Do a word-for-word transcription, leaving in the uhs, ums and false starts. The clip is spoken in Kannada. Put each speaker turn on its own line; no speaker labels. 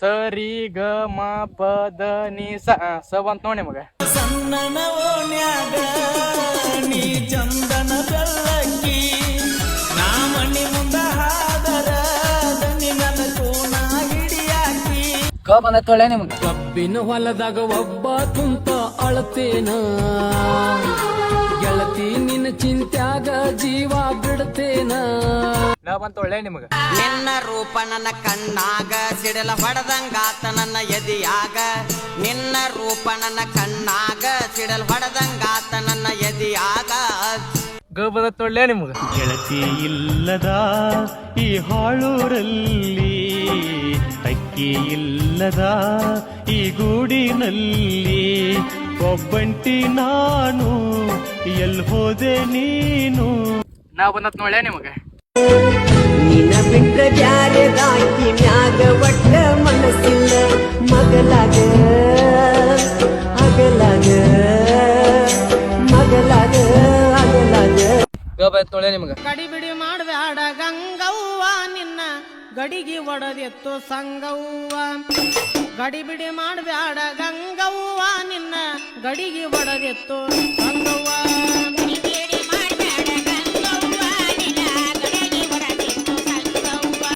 ಸರಿ ಗ ಮ ಪದ ನಿ ಸ ಸ ಬಂತ ನೋಡಿ ಮಗ.
ಸಣ್ಣನ ಓಣ್ಯಾಗ ನೀ ಚಂದನ ಬೆಲ್ಲಕ್ಕಿ ನಾ ಮಣ್ಣಿ ಮುಂದ ಹಾದರ ದನಿ ನನ್ನ ಕೋನ ಹಿಡಿಯಾಕಿ.
ಕ ಬಂದ ತೊಳೆ ನಿಮ್ಗೆ.
ಕಬ್ಬಿನ ಹೊಲದಾಗ ಒಬ್ಬ ಕುಂತ ಅಳತೇನ ಗೆಳತಿ ನಿನ್ನ ಚಿಂತ್ಯಾಗ ಜೀವ ಬಿಡ್ತೇನ.
ಲ ಬಂತ ಒಳ್ಳೆ ನಿಮಗ.
ನಿನ್ನ ರೂಪ ನನ್ನ ಕಣ್ಣಾಗ ಸಿಡಲ ಹೊಡೆದಂಗಾತ ನನ್ನ ಎದಿಯಾಗ. ನಿನ್ನ ರೂಪ ನನ್ನ ಕಣ್ಣಾಗ ಸಿಡಲ್ ಹೊಡೆದಂಗಾತ ನನ್ನ ಎದಿಯಾಗ.
ಗ ಬಂದ ತೊಳ್ಳೆ ನಿಮಗ.
ಗೆಳತಿ ಇಲ್ಲದ ಈ ಹಾಳೂರಲ್ಲಿ ಅಕ್ಕಿ ಇಲ್ಲದ ಈ ಗೂಡಿನಲ್ಲಿ ಒಬ್ಬಂಟಿ ನಾನು ಎಲ್ ಹೋದೆ ನೀನು.
ನಾ ಬಂದತ್ ನೋಡ್ಯ ನಿಮಗ.
ನಿನ್ನ ಬಿಟ್ಟ ಬ್ಯಾರೆದಾಕಿ ಮ್ಯಾಗ ಒಟ್ಟ ಮನಸ್ಸಿಲ್ಲ ಮಗಲಾಗ ಅಗಲಾಗ ಮಗಲಾಗ ಅಗಲಾಗ.
ಗ ಬಂದ ತೊಳ್ಳೆ ನಿಮಗ.
ಗಡಿಬಿಡಿ ಮಾಡ್ಬ್ಯಾಡ ಗಂಗವ್ವ ನಿನ್ನ ಗಡಿಗೆ ಒಡದೆತ್ತು ಸಂಗವ್ವ. ಗಡಿಬಿಡಿ ಮಾಡ್ಬ್ಯಾಡ ಗಂಗವ್ವ ನಿನ್ನ ಗಡಿಗೆ ಒಡದೆತ್ತು ಸಂಗವ್ವ.